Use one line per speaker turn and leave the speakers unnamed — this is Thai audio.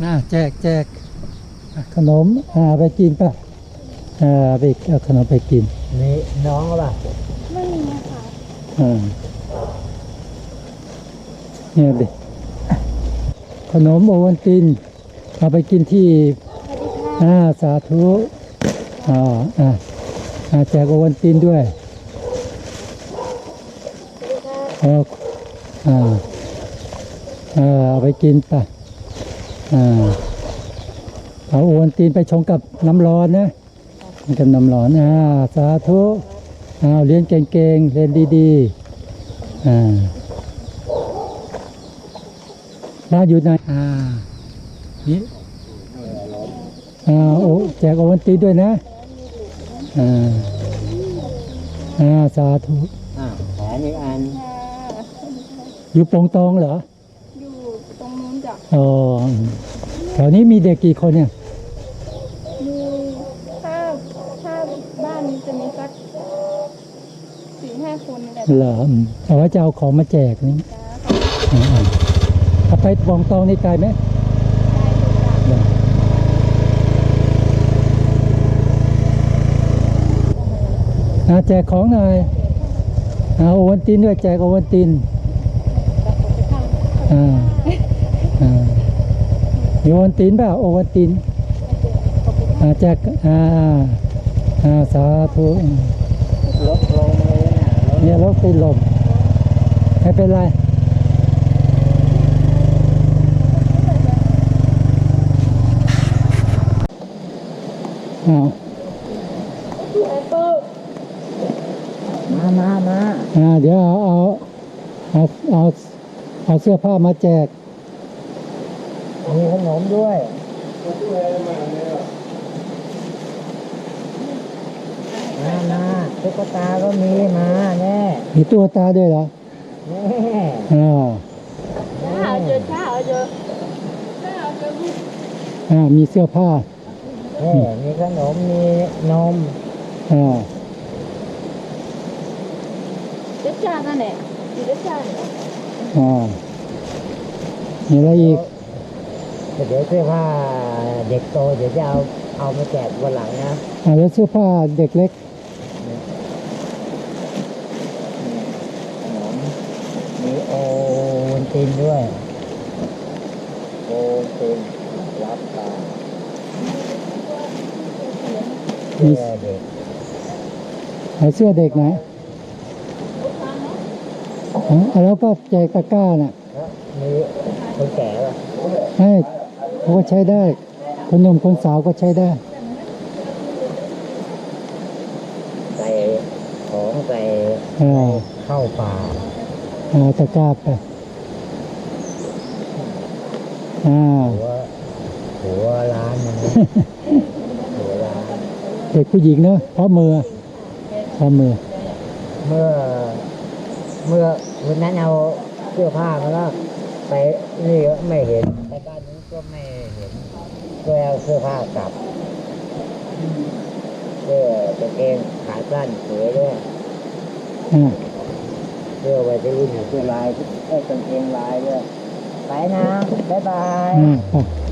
แจกขนมไปกินป่ะไปเอาขนมไปกิน
นี่น้องป่ะ
ไม่มีค่ะ
เนี่ยดิขนมโอวัลตินเอาไปกินที่สาธุแจกโอวัลตินด้วยเอาไปกินป่ะเอาโอวัลตินไปชงกับน้ำร้อนนะกับน้ำร้อนสาธุเรียนเก่งๆเรียนดีๆบ้านอยู่ไหนนี่แจกโอวัลตินด้วยนะสาธุ
แผนอีกอัน
อยู่ปงตองเหรอ
อยู่ตรงนู้นจ้ะ
แถวนี้มีเด็กกี่คนเนี่ย
มีถ้าบ้านนี้จะมีสัก4-5 คนนี่แหละ
เหรอเอาไว้จะเอาของมาแจกนี่ถ้าไปปงตองนี่ไกลไหมแจกของหน่อยโอวัลตินด้วยแจกโอวัลตินมีโอวัลตินเปล่าโอวัลตินแจกสาธุ
รถลงเลย
เนี่ยรถติดลมไม่เป็นไร
มา
เดี๋ยวเอาเสื้อผ้ามาแจก
มีขนมด้วยมาตุ๊กตาก็มีมาแน่
มีตัวตาด้วยเหรอ
แน่
มีเสื้อผ้า
มีขนมมีนม
เด็กจ้านั่นแหละเด็กจ้าเนี่ย
มีอะไรอีก
เดี๋ยวเสื้อผ้าเด็กโตเดี๋ยวจะเอามาแจกวันหลังนะ
แล้วเสื้อผ้าเด็กเล็ก
มีโอวัลตินด้วยโอวัลตินรับตาเสื้อเด็ก
เสื้อเด็กไหนแล้วก็แจกตะกร้าน่ะ
มีคนแก่ป่ะ
ให้เขาก็ใช้ได้คนหนุ่มคนสาวก็ใช้ได้
ใส่ของใส่เข้าป่า
ตะกร้าไป
หัวร้านมันหัวร้าน
เด็กผู้หญิงเนอะเพราะมือ
เมื่อวันนั้นเอาเสื้อผ้ามาแล้วไปนี่ก็ไม่เห็นไปบ้านนู้นก็ไม่เห็นก็เอาเสื้อผ้ากลับเสื้อกางเกงขาสั้นสวยด้วยเสื้อไว้ที่รุ่นเสื้อลายกางเกงลายด้วยไปนะบ๊ายบาย